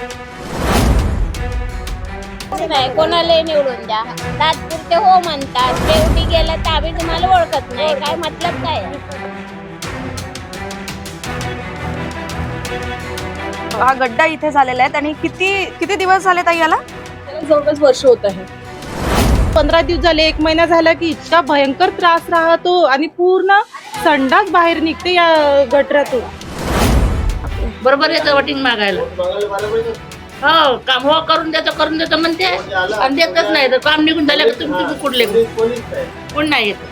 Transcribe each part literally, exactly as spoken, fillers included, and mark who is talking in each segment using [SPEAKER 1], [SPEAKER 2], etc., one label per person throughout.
[SPEAKER 1] नाही कोणालाही निवडून द्या, तात्पुरते हो म्हणतात, शेवटी गेलं तर आम्ही तुम्हाला ओळखत नाही, काय मतलब काय?
[SPEAKER 2] हा गड्डा इथे झालेला आहे आणि किती किती दिवस झाले ताई याला?
[SPEAKER 3] त्याला जवळपास वर्ष होत आहे. पंधरा दिवस झाले, एक महिना झाला की इतका भयंकर त्रास राहतो आणि पूर्ण संडास बाहेर निघते या गटरातून.
[SPEAKER 4] बरोबर येतं वोटिंग मागायला. हो काम हो करून देतो करून देतो म्हणते आणि देतच नाही. तर काम निघून झालं की तुम्ही कुठले कोण नाही येत.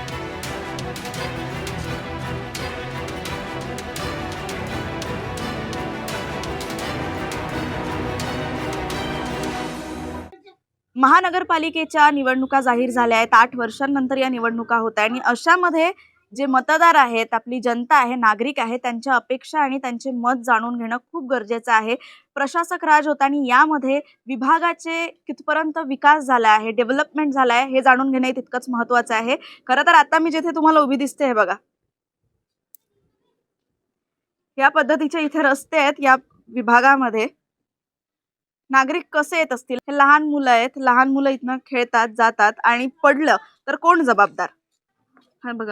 [SPEAKER 2] महानगरपालिकेच्या निवडणुका जाहीर झाल्या आहेत. आठ वर्षांनंतर या निवडणुका होत आहेत आणि अशामध्ये जे मतदार आहेत, आपली जनता आहे, नागरिक आहे, त्यांच्या अपेक्षा आणि त्यांचे मत जाणून घेणं खूप गरजेचं आहे. प्रशासक राज होता आणि यामध्ये विभागाचे कितपर्यंत विकास झाला आहे, डेव्हलपमेंट झाला आहे हे जाणून घेणं तितकंच महत्त्वाचं आहे. खरं तर आता मी जिथे तुम्हाला उभी दिसते हे बघा, या पद्धतीचे इथे रस्ते आहेत. या विभागामध्ये नागरिक कसे येत असतील? हे लहान मुलं आहेत, लहान मुलं इथनं खेळतात जातात आणि पडलं तर कोण जबाबदार? हा बघा,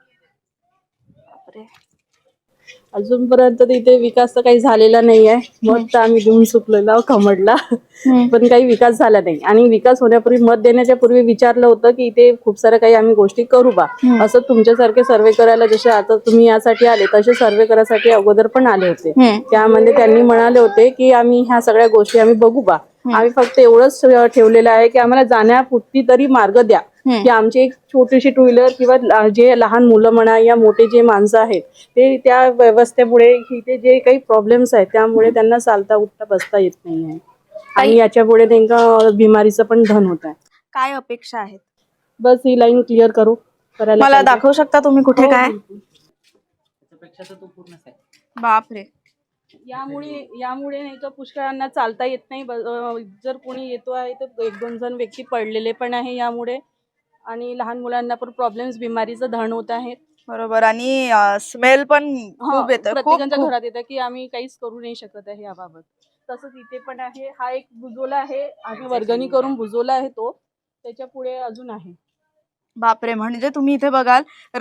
[SPEAKER 3] अजूनपर्यंत इथे विकास तर काही झालेला नाहीये. मत तर आम्ही देऊन चुकलेलो कमडला, पण काही विकास झाला नाही. आणि विकास होण्यापूर्वी, मत देण्याच्या पूर्वी विचारलं होतं की इथे खूप साऱ्या काही आम्ही गोष्टी करू बा. असं तुमच्यासारखे सर्वे करायला जसे आता तुम्ही यासाठी आले तसे सर्वे करायसाठी अगोदर पण आले होते. त्यामध्ये त्यांनी म्हणाले होते की आम्ही ह्या सगळ्या गोष्टी आम्ही बघू बा. आम्ही फक्त एवढंच ठेवलेलं आहे की आम्हाला जाण्यापुरती तरी मार्ग द्या, की आमची एक छोटीशी टू व्हीलर किंवा जे लहान मुलं म्हणा या मोठे जे माणसं आहेत ते त्या व्यवस्थेमुळे इथे जे काही प्रॉब्लेम्स आहेत त्यामुळे त्यांना चालता उठता बसता येत नाही आहे आणि याच्यामुळे त्यांना बिमारीचं पण धन होत आहे.
[SPEAKER 2] काय अपेक्षा आहेत?
[SPEAKER 3] बस ही लाईन क्लिअर करू करायला
[SPEAKER 2] मला
[SPEAKER 3] पाहिजे.
[SPEAKER 2] दाखवू शकता तुम्ही कुठे काय? बापरे,
[SPEAKER 3] यामुळे यामुळे नाही का पुष्कळांना चालता येत नाही. जर कोणी येतो आहे तर एक दोन जण व्यक्ती पडलेले पण आहे यामुळे, आणि लहान मुलांना पण प्रॉब्लेम्स बिमारीचं धन होत आहेत.
[SPEAKER 2] बरोबर. आणि स्मेल पण खूप येतं,
[SPEAKER 3] प्रत्येकाच्या घरात येतं की आम्ही काहीच करू नाही शकत आहे याबाबत. तसंच इथे पण आहे. हा एक बुजोला आहे, आम्ही वर्गणी करून बुजवला आहे तो, त्याच्या पुढे अजून आहे.
[SPEAKER 2] बापरे, म्हणजे तुम्ही इथे बघाल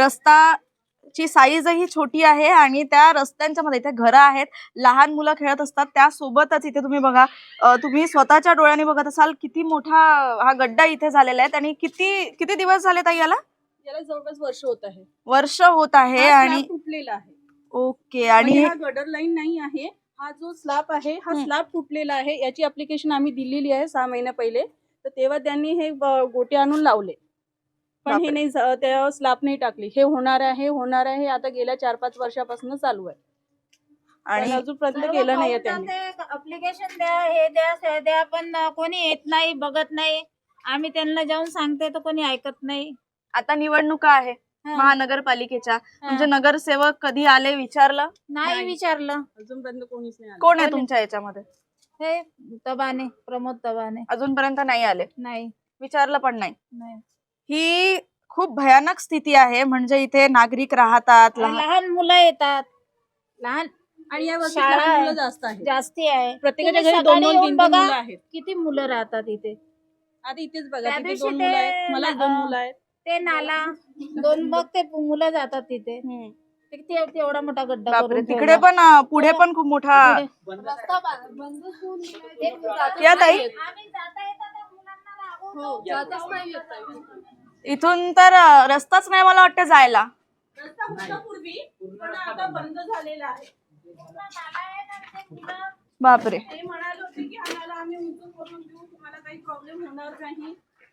[SPEAKER 2] रस्ताची साईजही छोटी आहे आणि त्या रस्त्यांच्या मध्ये इथे घरं आहेत, लहान मुलं खेळत असतात. त्यासोबतच इथे तुम्ही बघा, तुम्ही स्वतःच्या डोळ्यांनी बघत असाल किती मोठा हा गड्डा इथे झालेला आहे. आणि किती किती दिवस झाले ताई याला?
[SPEAKER 3] याला जवळपास वर्ष होत आहे.
[SPEAKER 2] वर्ष होत आहे आणि
[SPEAKER 3] तुटलेला आहे.
[SPEAKER 2] ओके. आणि
[SPEAKER 3] हा गटर लाईन नाही आहे, हा जो स्लॅब आहे हा स्लॅब तुटलेला आहे. याची ऍप्लिकेशन आम्ही दिलेली आहे सहा महिन्या पहिले, तर तेव्हा त्यांनी हे गोटे आणून लावले, पण हे नाही, त्या स्लॅब नाही टाकली. हे होणार आहे होणार आहे आता गेल्या चार पाच वर्षापासून चालू आहे आणि अजूनपर्यंत केलं नाही त्यांनी.
[SPEAKER 1] अप्लिकेशन द्या, हे द्या ते द्या, पण कोणी येत नाही, बघत नाही. आम्ही त्यांना जाऊन सांगते तर कोणी ऐकत नाही.
[SPEAKER 2] आता निवडणुका आहे महानगरपालिकेच्या, म्हणजे नगरसेवक कधी आले विचारलं?
[SPEAKER 1] नाही विचारलं
[SPEAKER 3] अजूनपर्यंत कोणीच नाही.
[SPEAKER 2] कोण आहे तुमच्या याच्यामध्ये?
[SPEAKER 1] हे तबाने, प्रमोद तबाने.
[SPEAKER 2] अजूनपर्यंत नाही आले?
[SPEAKER 1] नाही
[SPEAKER 2] विचारलं पण नाही.
[SPEAKER 1] नाही.
[SPEAKER 2] ही खूप भयानक स्थिती आहे. म्हणजे इथे नागरिक राहतात,
[SPEAKER 1] लहान मुलं येतात, लहान
[SPEAKER 3] आणि या वर्षी
[SPEAKER 1] शाळा
[SPEAKER 3] लहान मुलं जास्त आहे,
[SPEAKER 1] जास्ती आहे.
[SPEAKER 3] प्रत्येकाच्या
[SPEAKER 1] तुम्ही
[SPEAKER 3] घरी दोन
[SPEAKER 1] सकाळी
[SPEAKER 3] दोन
[SPEAKER 1] येऊन
[SPEAKER 3] तीन तीन
[SPEAKER 1] बघा
[SPEAKER 3] मुलं आहेत.
[SPEAKER 1] किती मुलं राहतात इथे.
[SPEAKER 3] आता इथेच बघा,
[SPEAKER 1] त्या
[SPEAKER 3] तिथे
[SPEAKER 1] दिवशी
[SPEAKER 3] दोन
[SPEAKER 1] ते
[SPEAKER 3] मुलं आहेत, मला दोन
[SPEAKER 1] अं,
[SPEAKER 3] मुलं आहेत.
[SPEAKER 1] ते नाला दोन बघ ते मुलं जातात तिथे. ते ते- तेवढा मोठा गड्डा
[SPEAKER 2] बापरे,
[SPEAKER 1] करून
[SPEAKER 2] तिकडे
[SPEAKER 1] ठेवला.
[SPEAKER 2] पण अं, पुढे पण खूप मोठा.
[SPEAKER 1] रस्ता बा- बंद करून दिलाय. ते जातच
[SPEAKER 2] या ताई?
[SPEAKER 1] नाही. आम्ही जाता येता त्या मुलांना रागवतो. जातच नाही येत ताई.
[SPEAKER 2] इथून तर अं, रस्ताच नाही मला वाटतं जायला.
[SPEAKER 3] रस्ता होता पूर्वी, पण आता बंद झालेला आहे.
[SPEAKER 1] पूर्ण नाला आहे ना, ते मुलं
[SPEAKER 2] बापरे,
[SPEAKER 3] ते म्हणाले होते की आम्हाला आम्ही उंच करून देऊ, तुम्हाला काही प्रॉब्लेम होणार नाही.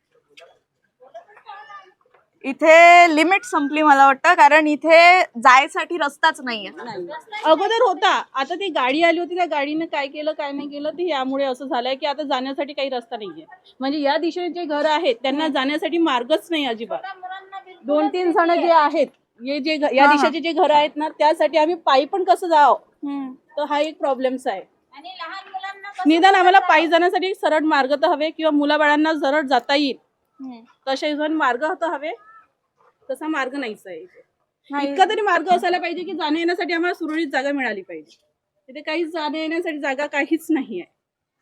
[SPEAKER 2] इथे लिमिट संपली मला वाटतं, कारण इथे जायसाठी रस्ताच नाहीये.
[SPEAKER 3] अगोदर होता, आता ती गाडी आली होती, त्या गाडीने काय केलं काय नाही केलं ते यामुळे असं झालंय की आता जाण्यासाठी काही रस्ता नाहीये. म्हणजे या दिशेने जे घर आहेत त्यांना जाण्यासाठी मार्गच नाही अजिबात. दोन तीन जण जे आहेत, हे जे या दिशेचे जे घर आहेत ना, त्यासाठी आम्ही पायी पण कसं जावं, तर हा एक प्रॉब्लेम्स आहे.
[SPEAKER 1] आणि लहान मुलांना कसं
[SPEAKER 3] निदान आम्हाला पायी जाण्यासाठी एक सरळ मार्ग तर हवे, किंवा मुलाबाळांना सरळ जाता येईल तसे हिशोबाने मार्ग तर हवे. तसा मार्ग नाहीच आहे इथे. इतका तरी मार्ग असायला पाहिजे की जाण्या येण्यासाठी आम्हाला सुरळीत जागा मिळाली पाहिजे. तिथे काहीच जाण्या येण्यासाठी जागा काहीच नाही आहे.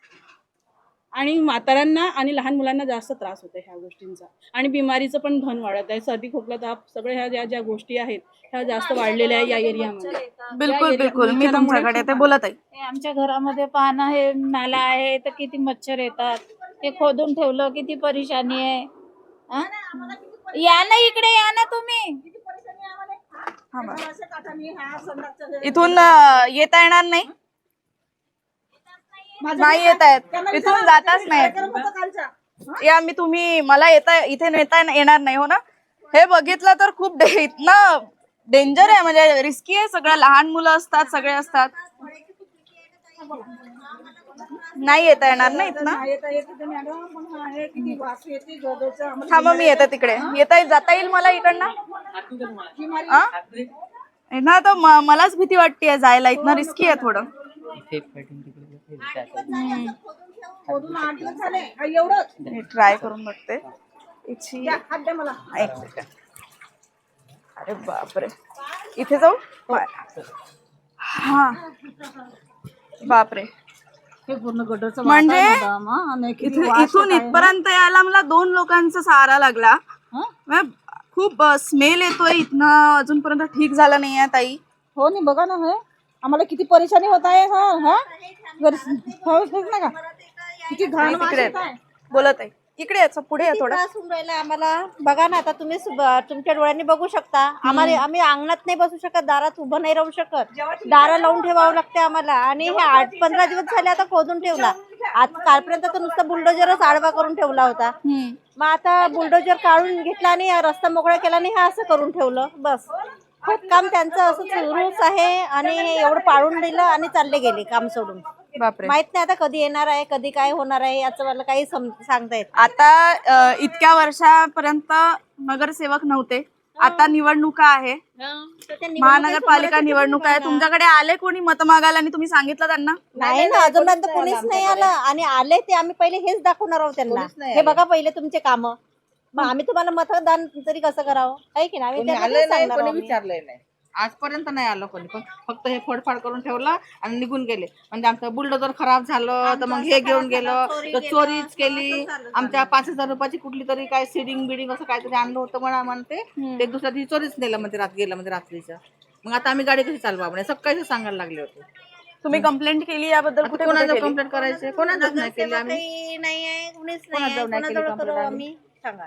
[SPEAKER 3] आणि म्हाताऱ्यांना आणि लहान मुलांना जास्त त्रास होतो ह्या गोष्टींचा. आणि बिमारीचं पण धन वाढत आहे. सर्दी खोकला ताप सगळ्या ह्या ज्या ज्या गोष्टी आहेत ह्या जास्त वाढलेल्या आहे या एरियामध्ये.
[SPEAKER 2] बिलकुल बिलकुल मी तुमच्याकडे ते बोलत आहे.
[SPEAKER 5] हे आमच्या घरामध्ये पाहणं हे नाला आहे तर किती मच्छर येतात. ते खोदून ठेवलं किती परेशानी आहे. हा? या ना इकडे या ना तुम्ही.
[SPEAKER 2] इथून अं, येता येणार नाही नाही येत आहेत इथून जाताच नाही या मी तुम्ही मला येता इथे नेता येणार नाही हो ना. हे बघितलं तर खूप डे- इथनं डेंजर आहे म्हणजे रिस्की आहे सगळं. लहान मुलं असतात सगळे असतात. नाही येता येणार ना इथनं. थांबा मी येते तिकडे. येता जाता येईल मला इकडनं आ? ना तर म- मलाच भीती वाटते जायला. इथनं रिस्की आहे थोडं. ट्राय करून बघते. इची- एक सेकंड. अरे बापरे इथे जाऊ. हा बापरे
[SPEAKER 5] पूर्ण गटरचं
[SPEAKER 2] म्हणजे इथे- इथून इथपर्यंत यायला मला दोन लोकांचा सहारा लागला. म्हणजे खूप स्मेल येतोय इथनं. अजूनपर्यंत ठीक झालं नाहीये ताई.
[SPEAKER 6] हो नाही बघा ना हे आम्हाला किती परेशानी होत आहे. हा हा घर- हो, हेच ना का किती घाण वास
[SPEAKER 2] तिकडे
[SPEAKER 6] येत आहे.
[SPEAKER 2] बोलत आहे इकडे याचं पुढे आहे थोडं.
[SPEAKER 7] त्रास होऊन राहिला आम्हाला. बघा ना आता तुम्ही सु- तुमच्या डोळ्यांनी बघू शकता. आम्हाला आम्ही अंगणात नाही बसू शकत. दारात उभं नाही राहू शकत. दारा लावून ठेवावं लागते आम्हाला. आणि हे आठ पंधरा दिवस झाले आता खोदून ठेवला. आज कालपर्यंत तर नुसतं बुलडोजरच आडवा करून ठेवला होता. मग आता बुलडोजर काढून घेतला आणि रस्ता मोकळा केला आणि हे असं करून ठेवलं. बस खोदकाम त्यांचं असं सुरूच आहे. आणि एवढं पाडून दिलं आणि चालले गेले काम सोडून.
[SPEAKER 2] बापरे
[SPEAKER 7] माहित नाही आता कधी येणार आहे कधी काय होणार आहे याचं मला काही सम- सांगता येत.
[SPEAKER 2] आता अ, इतक्या वर्षापर्यंत नगरसेवक नव्हते. आता निवडणुका आहे. महानगरपालिका निवडणूक आहे. तुमच्याकडे आले कोणी मत मागायला आणि तुम्ही सांगितलं त्यांना?
[SPEAKER 7] नाही ना अजूनपर्यंत कोणीच नाही आलं. आणि आले ते आम्ही पहिले हेच दाखवणार आहोत त्यांना. हे बघा पहिले तुमचे काम. मग आम्ही तुम्हाला मतदान तरी कसं करावं आहे की नाही. आम्ही त्यांना तेच सांगणार आहोत.
[SPEAKER 8] विचारलंय नाही आजपर्यंत नाही आलं कोणी. पण फक्त हे फोडफाड करून ठेवला आणि निघून गेले. म्हणजे आमचं बुलडोजर खराब झालं तर मग हे घेऊन गेलं तर चोरीच केली. आमच्या पाच हजार रुपयाची कुठली तरी काय सिडिंग बिडिंग असं काहीतरी आणलं होतं म्हणा म्हणते. ते दुसऱ्या दिवशी चोरीच नेलं म्हणजे रात गेलं म्हणजे रात्रीचं. मग आता आम्ही गाडी कशी चालवा म्हणे सकाळी सांगायला लागले होते.
[SPEAKER 2] तुम्ही कंप्लेंट केली याबद्दल? कुठे कुठे
[SPEAKER 8] कोणाला
[SPEAKER 2] केली?
[SPEAKER 8] कंप्लेंट करायचे कोणाच नाही केली आम्ही.
[SPEAKER 7] काही नाही आहे कुणीच
[SPEAKER 8] कोणाला
[SPEAKER 7] नाही आहे.
[SPEAKER 8] जाऊन नाही केली
[SPEAKER 7] कोणाजवळ
[SPEAKER 8] complaint
[SPEAKER 7] करू
[SPEAKER 8] आम्ही?
[SPEAKER 7] आम्ही सांगा.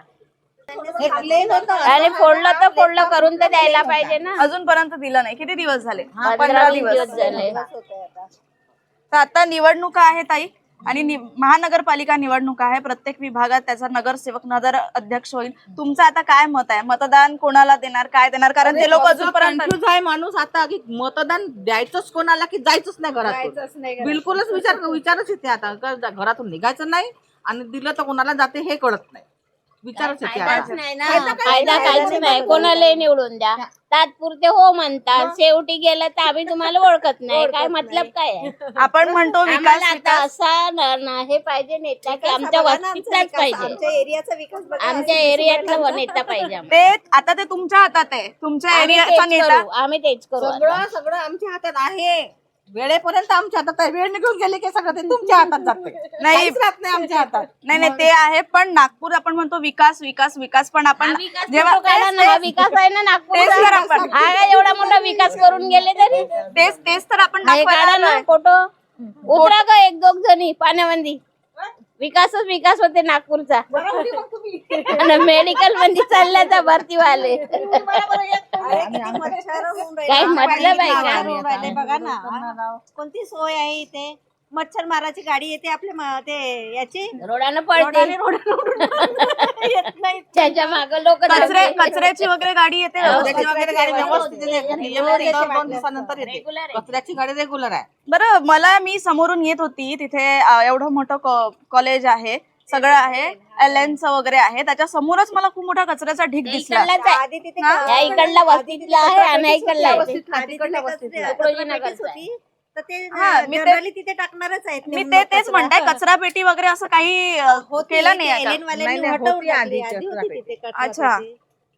[SPEAKER 1] आणि फोडलं तर फोडलं करून तर द्यायला पाहिजे ना.
[SPEAKER 2] अजूनपर्यंत दिलं नाही. किती दिवस झाले?
[SPEAKER 1] पंधरा दिवस झाले.
[SPEAKER 2] तर आता निवडणुका आहेत ताई आणि नि- महानगरपालिका निवडणुका आहे. प्रत्येक विभागात त्याचा नगरसेवक नगर अध्यक्ष होईल. तुमचं आता काय मत आहे? मतदान कोणाला देणार काय देणार? कारण ते लोक अजूनपर्यंत
[SPEAKER 8] कन्फ्युज आहे माणूस आता की मतदान द्यायचंच कोणाला की जायचंच नाही घरातून. बिलकुलच विचार विचारच येते आता का घरातून निघायचं नाही आणि दिलं तर कोणाला जाते हे कळत नाही. विचारच येते
[SPEAKER 1] फायदाच
[SPEAKER 8] आता.
[SPEAKER 1] नाही ना. फायदा काहीच नाही. कोणाला निवडून द्या तात्पुरते हो म्हणतात. शेवटी गेलं तर आम्ही तुम्हाला ओळखत नाही. काय मतलब काय आहे?
[SPEAKER 2] आपण म्हणतो विकास
[SPEAKER 1] आम्हाला आता
[SPEAKER 2] विकास.
[SPEAKER 1] असा न- न- हे पाहिजे नेता की आमच्या वस्तीतलाच पाहिजे.
[SPEAKER 7] आमच्या एरियाचा विकास बघा.
[SPEAKER 1] आमच्या एरियातला नेता पाहिजे आम्हाला.
[SPEAKER 2] ते आता ते तुमच्या हातात आहे. तुमच्या
[SPEAKER 1] आम्ही
[SPEAKER 2] एरियाचा
[SPEAKER 1] तेच
[SPEAKER 2] नेता
[SPEAKER 1] करू. आम्ही तेच करू आता.
[SPEAKER 8] सगळं सगळं आमच्या हातात आहे. वेळेपर्यंत आमच्या हातात आहे. वेळ निघून गेली की सगळं ते तुमच्या हातात जाते.
[SPEAKER 2] नाही.
[SPEAKER 8] काहीच राहत नाही आमच्या हातात.
[SPEAKER 2] नाही नाही ते आहे. पण नागपूर आपण म्हणतो विकास विकास विकास पण आपण
[SPEAKER 1] हा विकास
[SPEAKER 2] जेव्हा
[SPEAKER 1] कुठं काढला ना? हा विकास आहे ना
[SPEAKER 2] तेच तर
[SPEAKER 1] नागपूरचा.
[SPEAKER 2] आपण
[SPEAKER 1] हा काय एवढा मोठा विकास करून गेले तरी
[SPEAKER 2] तेच तेच तर आपण
[SPEAKER 1] हे काढा
[SPEAKER 2] दाखवायला
[SPEAKER 1] ना
[SPEAKER 2] आलोय.
[SPEAKER 1] फोटो. उतरा ग एक दोघ जणी पाण्यामध्ये. विकासच विकास होते नागपूरचा. आणि मेडिकल मध्ये चालल्याचा भरती वाले काही मतलब आहे का?
[SPEAKER 7] बघा ना कोणती सोय आहे इथे. मच्छर माराची गाडी येते आपल्या म- ते याची
[SPEAKER 1] रोडानं पडते.
[SPEAKER 7] येत नाही.
[SPEAKER 1] त्याच्या माग लोक
[SPEAKER 2] कचरे कचऱ्याची वगैरे गाडी येते
[SPEAKER 8] कचऱ्याची वगैरे गाडी व्यवस्थित येते. नियमित दर दोन दिवसानंतर येते. कचऱ्याची गाडी रेग्युलर आहे.
[SPEAKER 2] बरं मला मी समोरून येत होती तिथे अ, एवढं मोठं कॉ- कॉलेज आहे सगळं आहे एल एनचं वगैरे आहे त्याच्या समोरच मला खूप मोठा कचऱ्याचा ढीग दिसला.
[SPEAKER 1] इकडलाच आहे.
[SPEAKER 7] आधी तिथे
[SPEAKER 2] हा?
[SPEAKER 1] या इकडला वस्तीतला आहे आणि इकडला आहे.
[SPEAKER 7] आधी तिथे कचऱ्यापेटीच होती. तर ते
[SPEAKER 2] हा, मी ते-
[SPEAKER 7] generally तिथे टाकणारच आहेत.
[SPEAKER 2] मी ते तेच म्हणताय कचरा पेटी वगैरे असं काही अ, केलं नाही आता.
[SPEAKER 7] एलियन वाल्यांनी
[SPEAKER 8] नाही, नाही,
[SPEAKER 7] हटवून
[SPEAKER 8] होती
[SPEAKER 7] टाकली.
[SPEAKER 8] आधी
[SPEAKER 7] आधी
[SPEAKER 8] कचरा
[SPEAKER 7] होती
[SPEAKER 8] पेटी.
[SPEAKER 7] तिथे कचरा
[SPEAKER 2] अच्छा.
[SPEAKER 7] पेटी.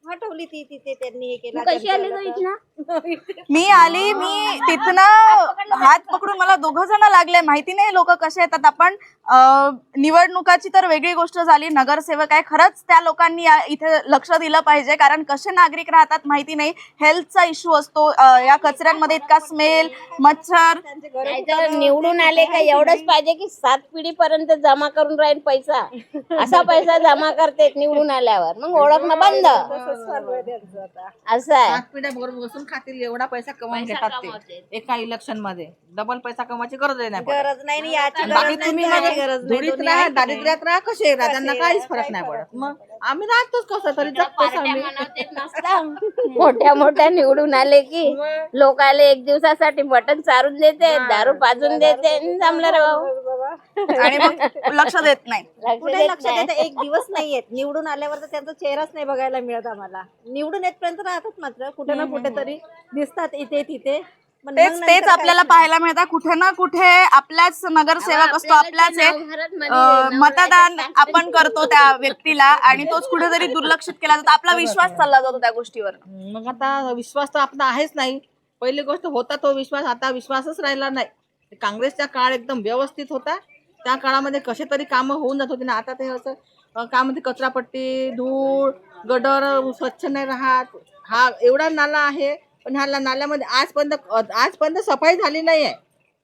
[SPEAKER 7] हटवली ती तिथे त्यांनी हे
[SPEAKER 1] तू
[SPEAKER 7] केलं
[SPEAKER 1] कशी आली
[SPEAKER 7] त्यांनी
[SPEAKER 1] गं
[SPEAKER 7] केलं तर.
[SPEAKER 1] इथनं?
[SPEAKER 2] मी आली मी तिथनं हात पकडून मला दोघ जण लागले. माहिती नाही लोक कसे येतात. आपण अं, निवडणुकाची तर वेगळी गोष्ट झाली, नगरसेवक आहे, खरंच त्या लोकांनी या- इथे लक्ष दिलं पाहिजे, कारण कसे नागरिक राहतात माहिती नाही. हेल्थचा इश्यू असतो, अं, या कचऱ्यांमध्ये इतका स्मेल, मच्छर.
[SPEAKER 7] त्यांचे घरं
[SPEAKER 1] नाही तर निवडून आले का एवढंच पाहिजे की सात पिढी पर्यंत जमा करून राहील पैसा, असा पैसा जमा करते निवडून आल्यावर, मग ओळखणं बंद.
[SPEAKER 7] तसंच चालू आहे त्यांचं आता.
[SPEAKER 1] असं आहे.
[SPEAKER 8] सात पिढ्या बरोबर बसून खातील एवढा पैसा कमावून
[SPEAKER 4] पैसा
[SPEAKER 8] घेतात
[SPEAKER 4] कमावते.
[SPEAKER 8] ते एका इलेक्शन मध्ये. डबल पैसा कमवायची गरज नाही पडत.
[SPEAKER 7] गरज नाही आणि याची
[SPEAKER 8] बाकी
[SPEAKER 7] गरज नाही
[SPEAKER 8] तुम्ही
[SPEAKER 7] त्याची
[SPEAKER 8] मग
[SPEAKER 7] गरज नाही.
[SPEAKER 8] धुळीत
[SPEAKER 7] दोन्ही
[SPEAKER 8] राहा,
[SPEAKER 7] आहे की नाही?
[SPEAKER 8] दारिद्र्यात राहा, कसे राहा, त्यांना
[SPEAKER 7] कसे
[SPEAKER 8] काहीच
[SPEAKER 7] राहा,
[SPEAKER 8] फरक
[SPEAKER 7] काही
[SPEAKER 8] नाही
[SPEAKER 7] फरक
[SPEAKER 8] पडत. मग आम्ही राहतोच कसं तरी जगतोच
[SPEAKER 4] पार्ट्या
[SPEAKER 8] आम्ही.
[SPEAKER 4] म्हणावं तेच नसतं.
[SPEAKER 1] मोठ्या मोठ्या निवडून आले की लोकाले एक दिवसासाठी मटण चारून देते, दारू पाजून देते, आणि जमलं रे भाऊ.
[SPEAKER 2] आणि मग लक्ष देत नाही.
[SPEAKER 1] लक्ष
[SPEAKER 7] कुठे
[SPEAKER 1] देत
[SPEAKER 7] लक्ष
[SPEAKER 1] नाही.
[SPEAKER 7] देत एक दिवस नाही येत. निवडून आल्यावर तर त्यांचा चेहराच नाही बघायला मिळत आम्हाला. निवडून येतपर्यंत राहतात मात्र कुठे ना कुठे तरी दिसतात इथे तिथे. पण मग
[SPEAKER 2] तेच
[SPEAKER 7] नंतर
[SPEAKER 2] तेच
[SPEAKER 7] काहीच
[SPEAKER 2] आपल्याला
[SPEAKER 7] नाही.
[SPEAKER 2] पाहायला मिळतात. कुठे ना कुठे आपलाच नगरसेवक असतो, आपलाच आहे. अं, मतदान आपण करतो त्या व्यक्तीला आणि तोच कुठेतरी दुर्लक्षित केला जातो. आपला विश्वास चालला जातो त्या गोष्टीवर.
[SPEAKER 8] मग आता विश्वास तर आपला आहेच नाही. पहिली गोष्ट होता तो विश्वास, आता विश्वासच राहिला नाही. काँग्रेसचा काळ एकदम व्यवस्थित होता. त्या काळामध्ये कसे तरी कामं होऊन जात होती ना. आता ते असं अं, काय म्हणते, कचरापट्टी, धूळ, गडर स्वच्छ नाही राहत. हा एवढा नाला आहे, पण ह्या नाल्यामध्ये आजपर्यंत आजपर्यंत सफाई झाली नाही आहे.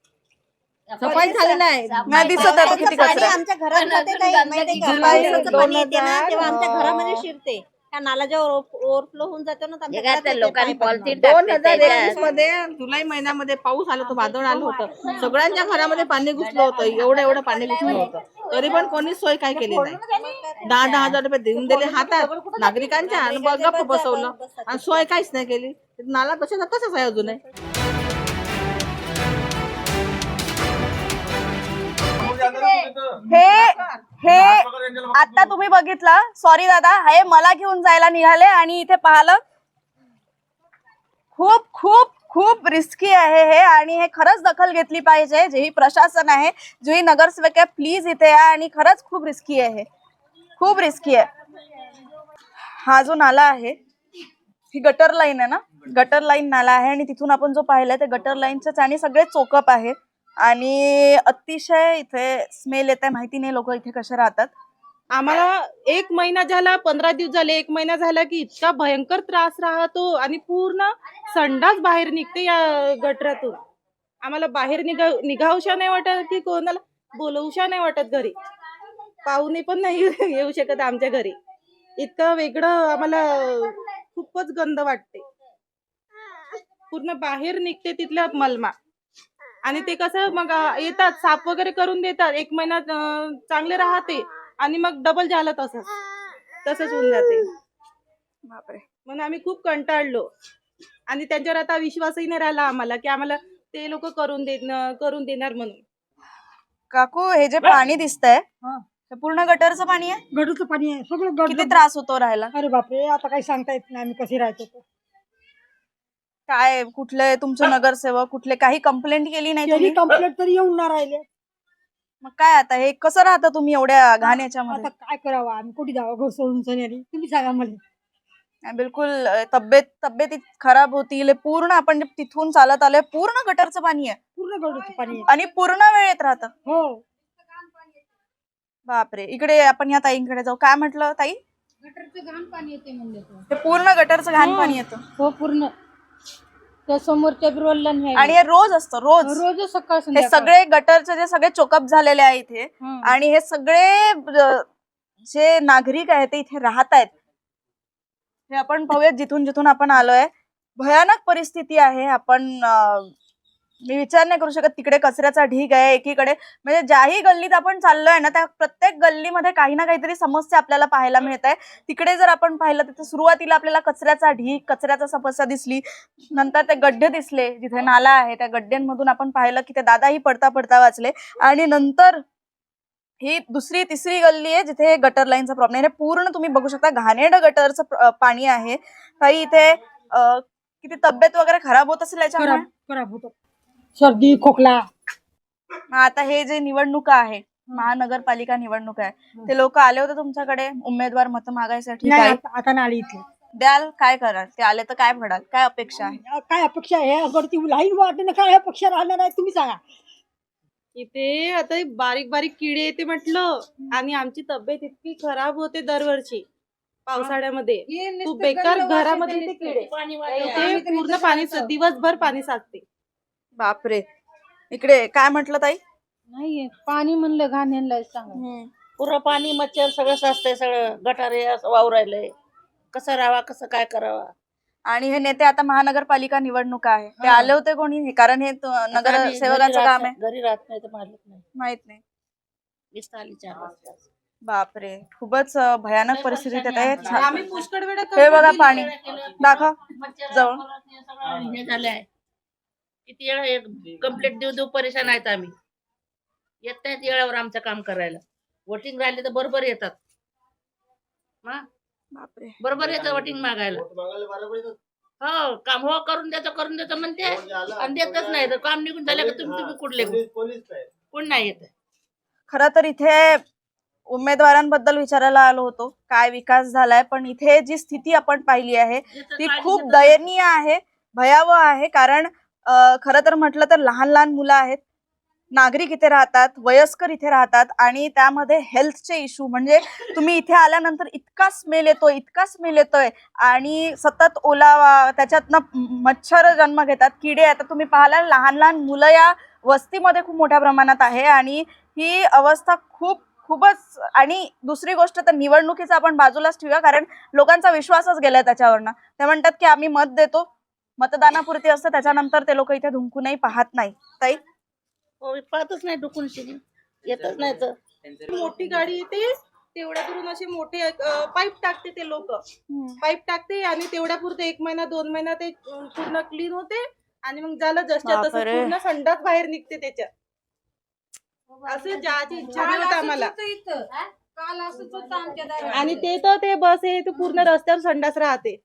[SPEAKER 8] सफाई झाली नाही.
[SPEAKER 2] नाही दिसत आहे बघ किती
[SPEAKER 7] पाणी
[SPEAKER 2] कचरा.
[SPEAKER 7] आमच्या घरात जाते काय माहितीये का?
[SPEAKER 8] जुलै
[SPEAKER 7] पावसाचं
[SPEAKER 8] दोन
[SPEAKER 7] पाणी येते ना
[SPEAKER 8] हजार,
[SPEAKER 7] तेव्हा आमच्या
[SPEAKER 8] अं,
[SPEAKER 7] घरामध्ये शिरते. त्या नाला जेव्हा ओव्हरफ्लो होऊन जातो ना तर आमच्या
[SPEAKER 1] जे काय
[SPEAKER 7] घरात
[SPEAKER 1] त्या
[SPEAKER 7] येते
[SPEAKER 1] लोकांनी
[SPEAKER 7] पाणी पडणं.
[SPEAKER 1] पॉलिथिन
[SPEAKER 8] दोन
[SPEAKER 1] टाकते
[SPEAKER 8] हजार
[SPEAKER 1] त्याच्यात.
[SPEAKER 8] एकवीस मध्ये जुलै महिन्यामध्ये पाऊस आला होता, वादळ आलं होतं. सगळ्यांच्या घरामध्ये पाणी घुसलं होतं, एवढं एवढं पाणी घुसलं होतं. तरी पण कोणीच सोय काय केली नाही. दहा दहा हजार रुपये देऊन दिले हातात नागरिकांच्या आणि ब- गप्प बसवलं आणि सोय काहीच नाही केली. नाला तशाच तसाच आहे अजूनही.
[SPEAKER 2] हे हे आता तुम्ही बघितलं, सॉरी दादा, हे मला घेऊन जायला निघाले आणि इथे पाहिलं. खूप खूप खूप रिस्की आहे हे आणि हे खरंच दखल घेतली पाहिजे. जेही प्रशासन आहे, जेही नगरसेवक आहे, प्लीज इथे या. आणि खरंच खूप रिस्की आहे हे, खूप रिस्की आहे. हा जो नाला आहे ही गटर लाईन आहे ना, गटर लाईन नाला आहे आणि तिथून आपण जो पाहिलाय ते गटर लाईनचेच आणि सगळे चोकप आहे आणि अतिशय इथे स्मेल येत आहे. माहिती नाही लोक इथे कसे राहतात.
[SPEAKER 3] आम्हाला एक महिना झाला, पंधरा दिवस झाले, एक महिना झाला की इतका भयंकर त्रास राहतो आणि पूर्ण संडास बाहेर निघते या गटरातून. आम्हाला बाहेर निघा निघावशा नाही वाटत की कोणाला बोलवशा नाही वाटत. घरी पाहुणे पण नाही येऊ शकत आमच्या घरी. इतकं वेगळं आम्हाला खूपच गंध वाटते. पूर्ण बाहेर निघते तिथल्या मलमा. आणि ते कसं मग अं, येतात साफ वगैरे करून देतात, एक महिना अं, चांगले राहते आणि मग डबल झालं तसंच तसंच होऊन जाते.
[SPEAKER 2] बापरे.
[SPEAKER 3] म्हणून आम्ही खूप कंटाळलो आणि त्यांच्यावर आता विश्वासही नाही राहिला आम्हाला की आम्हाला ते लोक करून दे करून देणार म्हणून.
[SPEAKER 2] काकू, हे जे पाणी दिसतंय हे पूर्ण गटरचं पाणी आहे.
[SPEAKER 6] गडूचं पाणी आहे सगळं
[SPEAKER 2] किती
[SPEAKER 6] गडूचं.
[SPEAKER 2] त्रास होतो राहायला.
[SPEAKER 6] अरे बापरे, आता काही सांगता येत नाही आम्ही कशी राहतो ते.
[SPEAKER 2] काय कुठले तुमचे नगरसेवक कुठले काही कंप्लेंट केली नाही
[SPEAKER 6] त्यांनी
[SPEAKER 2] तुम्ही?
[SPEAKER 6] कंप्लेंट तरी येऊन ना राहिले.
[SPEAKER 2] मग काय आता हे कसं राहतं तुम्ही एवढ्या घाण याच्यामध्ये?
[SPEAKER 6] आता काय करावं आम्ही, कुठे जावं घर सोडून सनेरी? तुम्ही सांगा मला.
[SPEAKER 2] नाही, बिलकुल अं, तब्येत तब्येत खराब होतील. पूर्ण आपण जे तिथून चालत आलोय पूर्ण गटरचं पाणी आहे
[SPEAKER 6] पूर्ण गडूचं पाणी आहे.
[SPEAKER 2] आणि पूर्ण वेळ येत राहतं.
[SPEAKER 6] हो,
[SPEAKER 2] बापरे. इकडे आपण या ताईंकडे जाऊ. काय म्हटलं ताई?
[SPEAKER 5] गटरचं घाण पाणी येते म्हणले तो.
[SPEAKER 2] हे पूर्ण गटरचं घाण पाणी येतं
[SPEAKER 5] हो पूर्ण त्या समोरच्या बिरोलला नाही.
[SPEAKER 2] आणि हे रोज असतं, रोज.
[SPEAKER 5] रोज सकाळ
[SPEAKER 2] हे
[SPEAKER 5] संध्याकाळ.
[SPEAKER 2] सगळे गटरचे जे सगळे चोकअप झालेले आहे इथे
[SPEAKER 5] हं.
[SPEAKER 2] आणि हे सगळे अं, जे नागरिक आहेत ते इथे राहत आहेत. हे आपण पाहूयात जिथून जिथून आपण आलोय. भयानक परिस्थिती आहे. आपण अं, मी विचार नाही करू शकत. तिकडे कचऱ्याचा ढीग आहे एकीकडे. म्हणजे ज्याही गल्लीत आपण चाललोय ना त्या प्रत्येक गल्लीमध्ये काही ना काहीतरी समस्या आपल्याला पाहायला मिळत आहे. तिकडे जर आपण पाहिलं तिथे सुरुवातीला आपल्याला कचऱ्याचा ढीग, कचऱ्याचा समस्या दिसली. नंतर ते गड्डे दिसले जिथे नाला आहे त्या गड्ड्यांमधून आपण पाहिलं की ते दादाही पडता पडता वाचले. आणि नंतर ही दुसरी तिसरी गल्ली आहे जिथे गटर लाईनचा प्रॉब्लेम आहे. पूर्ण तुम्ही बघू शकता घाणेरडं गटरचं प्र- पाणी आहे. काही इथे अं, किती तब्येत वगैरे खराब होत असेल याच्यामुळे.
[SPEAKER 6] खराब खराब होतं. सर्दी खोकला.
[SPEAKER 2] मग आता हे जे निवडणुका आहे, महानगरपालिका निवडणूक आहे, ते लोक आले होते तुमच्याकडे उमेदवार मत मागायसाठी?
[SPEAKER 6] नाही
[SPEAKER 2] काही
[SPEAKER 6] आता आता नाही आली इथे.
[SPEAKER 2] द्याल, काय कराल? ते आले तर काय म्हणाल? काय अपेक्षा आहे?
[SPEAKER 6] काय अपेक्षा आहे अगर ती लाईन वाटणं काय अपेक्षा राहणार आहे तुम्ही सांगा.
[SPEAKER 3] इथे आता बारीक बारीक किडे येते म्हटलं आणि आमची तब्येत इतकी खराब होते दरवर्षी पावसाळ्यामध्ये. खूप बेकार घरामध्ये ते किडे इथे पूर्ण पाणी दिवसभर पाणी साचते.
[SPEAKER 2] बापरे. इकडे काय म्हटलं ताई?
[SPEAKER 5] नाहीये पाणी म्हणलं घाणेलं सांगा.
[SPEAKER 4] पुरं पाणी मच्छर सगळं साचतंय, सगळं गटारे असं वावरायलंय. कसं राहावा, कसं काय करावा.
[SPEAKER 2] आणि हे नेते आता महानगरपालिका निवडणूक आहे, ते
[SPEAKER 4] हा.
[SPEAKER 2] आले होते कोणी? कारण हे तो-
[SPEAKER 4] आता आम्ही
[SPEAKER 2] नगरसेवकांचं
[SPEAKER 4] घरी
[SPEAKER 2] काम
[SPEAKER 4] राहत-
[SPEAKER 2] आहे.
[SPEAKER 4] घरी राहत नाही तर मारत नाही.
[SPEAKER 2] माहित नाही.
[SPEAKER 4] वीस आली चार वाजता.
[SPEAKER 2] बापरे, खूपच अं, भयानक परिस्थितीत येत आहे. छा-
[SPEAKER 3] आम्ही पुष्कळ वेळा
[SPEAKER 2] हे बघा पाणी
[SPEAKER 4] केलं.
[SPEAKER 2] दाखव
[SPEAKER 4] मच्छर
[SPEAKER 2] जवळ.
[SPEAKER 4] सगळं हे झालंय. किती वेळा कंप्लेंट देऊ देऊ परेशान आहेत आम्ही. येत नाहीत वेळेवर आमचं काम करायला. वोटिंग राहिले तर बरोबर येतात. हा?
[SPEAKER 2] बापरे.
[SPEAKER 4] बरोबर येतात वोटिंग मागायला. हो, काम हो करून देतो करून देतो म्हणते आणि देतच नाही. तर काम निघून झालं का तुम्ही तुम्ही कुठले कोण नाही येत.
[SPEAKER 2] खरं तर इथे उमेदवारांबद्दल विचारायला आलो होतो, काय विकास झालाय, पण इथे जी स्थिती आपण पाहिली आहे ती खूप दयनीय आहे, भयावह आहे. कारण अं, खरं तर म्हटलं तर लहान लहान मुलं आहेत, नागरिक इथे राहतात, वयस्कर इथे राहतात आणि त्यामध्ये हेल्थचे इश्यू म्हणजे तुम्ही इथे आल्यानंतर इतका स्मेल येतोय इतका स्मेल येतोय आणि सतत ओलावा, त्याच्यातनं मच्छर जन्म घेतात, किडे. आता तुम्ही पाहाल लहान लहान मुलं या वस्तीमध्ये खूप मोठ्या प्रमाणात आहे आणि ही अवस्था खूप खूपच. आणि दुसरी गोष्ट तर निवडणुकीचं आपण बाजूलाच ठेवूया, कारण लोकांचा विश्वासच गेलाय त्याच्यावरनं. ते म्हणतात की आम्ही मत देतो, मतदानापुरती असतं, त्याच्यानंतर ते लोक इथे धुंकूनही पाहत नाही. ताई
[SPEAKER 4] हो, पाहतच नाही डुकून शिरी येतच नाही तर.
[SPEAKER 3] मोठी गाडी येते तेवढ्या करून असे मोठे पाईप टाकते ते लोक. पाईप टाकते आणि तेवढ्या पुरते एक महिना दोन महिना ते अं, पूर्ण क्लीन होते आणि मग झालं जसच्या तसं
[SPEAKER 2] बापरे.
[SPEAKER 3] पूर्ण संडास बाहेर निघते त्याच्यात. असं जायची इच्छा नाही होत आम्हाला.
[SPEAKER 5] काल असंच होतं आमच्या दारात.
[SPEAKER 3] आणि ते तर ते बस आहे ते पूर्ण रस्त्यावर संडास राहते.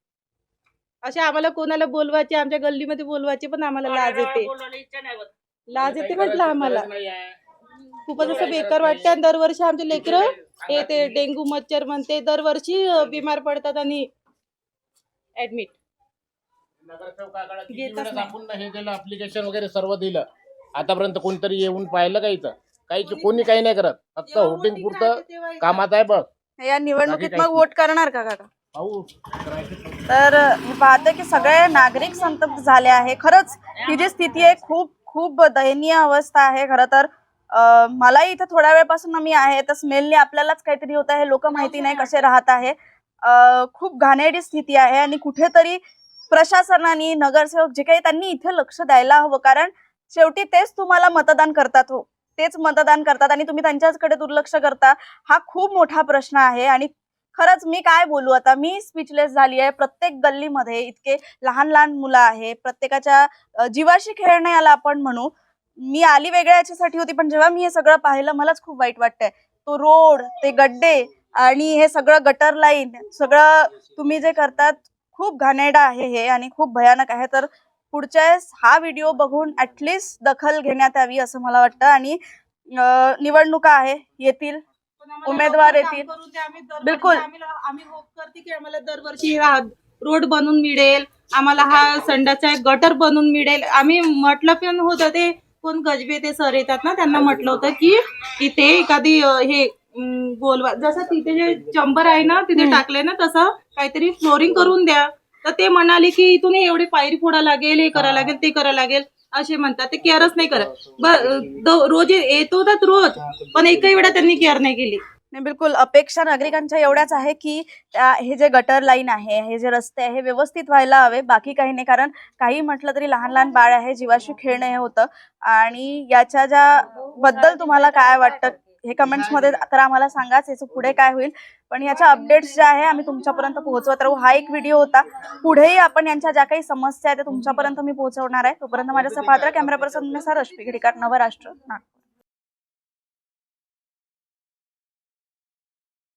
[SPEAKER 3] असे आम्हाला कोणाला बोलवायचे, आमच्या गल्लीमध्ये बोलवायचे, पण आम्हाला लाज येते.
[SPEAKER 4] बोलायला इच्छा नाही होत.
[SPEAKER 3] लाज येते म्हटलं आम्हाला. खूपच असं बेकार वाटतं. आणि दरवर्षी आमचे लेकरं हे ते डेंग्यू मच्छर म्हणते दरवर्षी अं, बिमार पडतात आणि ऍडमिट
[SPEAKER 9] नगरसेवकाकडे किती
[SPEAKER 3] घेतच
[SPEAKER 9] वेळेस
[SPEAKER 3] नाही.
[SPEAKER 9] आपण हे दिलं ऍप्लिकेशन वगैरे सर्व दिलं. आतापर्यंत कोणतरी येऊन पाहिलं का इथं? काही कोणी काही नाही करत. फक्त होटिंग पुरतं कामात आहे बघ.
[SPEAKER 2] या निवडणुकीत
[SPEAKER 9] बाकी
[SPEAKER 2] मग
[SPEAKER 9] काहीच
[SPEAKER 2] वोट करणार का काका?
[SPEAKER 9] पाहू.
[SPEAKER 2] तर मी पाहते की सगळे नागरिक संतप्त झाले आहे. खरंच ही जी स्थिती आहे खूप खूप दयनीय अवस्था आहे. खरं तर अं, मलाही इथं थोड्या वेळपासून मी आहे तर स्मेलने आपल्यालाच काहीतरी होत आहे. लोक माहिती नाही कसे राहत आहे. अं, खूप घाणेरडी स्थिती आहे आणि कुठेतरी प्रशासनाने, नगरसेवक जे काही त्यांनी इथे लक्ष द्यायला हवं. कारण शेवटी तेच तुम्हाला मतदान करतात, हो तेच मतदान करतात आणि तुम्ही त्यांच्याकडे दुर्लक्ष करता. हा खूप मोठा प्रश्न आहे आणि खरंच मी काय बोलू आता, मी स्पीचलेस झाली आहे. प्रत्येक गल्लीमध्ये इतके लहान लहान मुलं आहे, प्रत्येकाच्या अ, जीवाशी खेळणं याला आपण म्हणू. मी आली वेगळ्या याच्यासाठी होती, पण जेव्हा मी हे सगळं पाहिलं मलाच खूप वाईट वाटतंय. तो रोड, ते गड्डे आणि हे सगळं गटर लाईन, सगळं तुम्ही जे करतात खूप घाणेरडं आहे हे आणि खूप भयानक आहे. तर पुढच्या वेळेस हा व्हिडिओ बघून ऍटलिस्ट दखल घेण्यात यावी असं मला वाटतं. आणि अ, निवडणुका आहे, येतील उमेदवार येतील. बिलकुल.
[SPEAKER 3] आम्ही होप करते की आम्हाला दरवर्षी हा रोड बनवून मिळेल, आम्हाला हा संडाचा एक गटर बनवून मिळेल. आम्ही म्हटलं पण होतं, ते कोण गजबे ते सर येतात ना, त्यांना म्हटलं होतं की इथे एखादी अं, हे अं, बोलवा, जसं तिथे जे चंबर आहे ना तिथे टाकले ना तसं काहीतरी फ्लोरिंग करून द्या. तर ते म्हणाले की इथून एवढी पायरी फोडा लागेल, हे करा लागेल, ते करा लागेल असे म्हणतात. ते केअरच नाही करत. ब- रोज येतो तर रोज, पण एकही वेळा त्यांनी केअर नाही केली.
[SPEAKER 2] नाही, बिलकुल. अपेक्षा नागरिकांच्या एवढ्याच आहे की त्या- हे जे गटर लाईन आहे, हे जे रस्ते आहे, हे व्यवस्थित व्हायला हवे, बाकी काही नाही. कारण काही म्हटलं तरी लहान लहान बाळ आहे, जीवाशी खेळणं हे होतं. आणि याच्या ज्या बद्दल तुम्हाला काय वाटतं हे कमेंट्स मध्ये तर आम्हाला सांगाच, याचं पुढे काय होईल. पण याच्या अपडेट्स ज्या आहे आम्ही तुमच्यापर्यंत पोहोचवत राहू. हा एक व्हिडिओ होता. पुढेही आपण यांच्या ज्या काही समस्या आहेत त्या तुमच्यापर्यंत मी पोहोचवणार आहे. तोपर्यंत माझ्यासह पात्र कॅमेरा पर्सन रश्मी खेडेकर, नवराष्ट्र, नागपूर.